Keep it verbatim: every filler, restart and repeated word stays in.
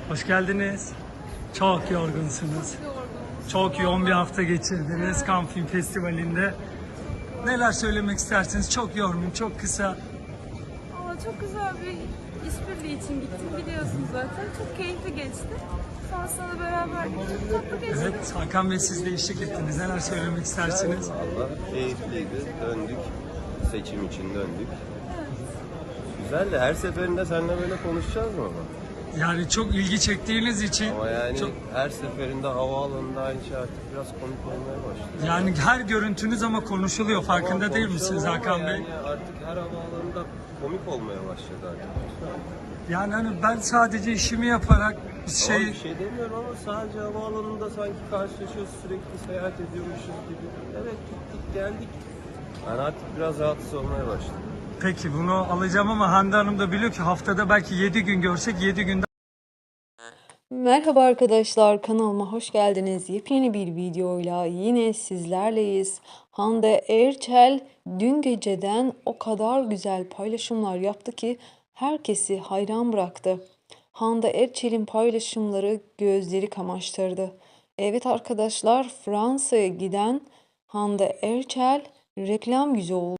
Hoş geldiniz. Çok yorgunsunuz. Çok yoğun bir hafta geçirdiniz Cannes Film Festivali'nde. Neler söylemek istersiniz? Çok yormayayım, çok kısa. Ama çok güzel bir işbirliği için gittim biliyorsunuz zaten. Çok keyifli geçti. Sonrasında da beraber gittik. Tatlı geçti. Evet, Hakan Bey siz de eşlik ettiniz. Neler söylemek istersiniz? Valla keyifliydi. Döndük. Seçim için döndük. Güzel de her seferinde seninle böyle konuşacağız mı ama? Yani çok ilgi çektiğiniz için Ama yani çok, her seferinde havaalanında aynı şey artık biraz komik olmaya başladı. yani her görüntünüz ama konuşuluyor. Farkında Tamam, değil misiniz konuşalım ama Hakan Bey? Yani artık her havaalanında komik olmaya başladı artık. Yani hani ben sadece işimi yaparak bir Şey... şey bir şey demiyorum ama sadece havaalanında sanki karşılaşıyoruz, sürekli seyahat ediyormuşuz gibi. Evet, gittik geldik. Ben artık biraz rahatsız olmaya başladım. peki bunu alacağım ama Hande Hanım da biliyor ki haftada belki yedi gün görsek yedi günde Merhaba arkadaşlar, kanalıma hoş geldiniz. Yepyeni bir videoyla yine sizlerleyiz. Hande Erçel dün geceden o kadar güzel paylaşımlar yaptı ki herkesi hayran bıraktı. Hande Erçel'in paylaşımları gözleri kamaştırdı. Evet arkadaşlar, Fransa'ya giden Hande Erçel reklam yüzü oldu.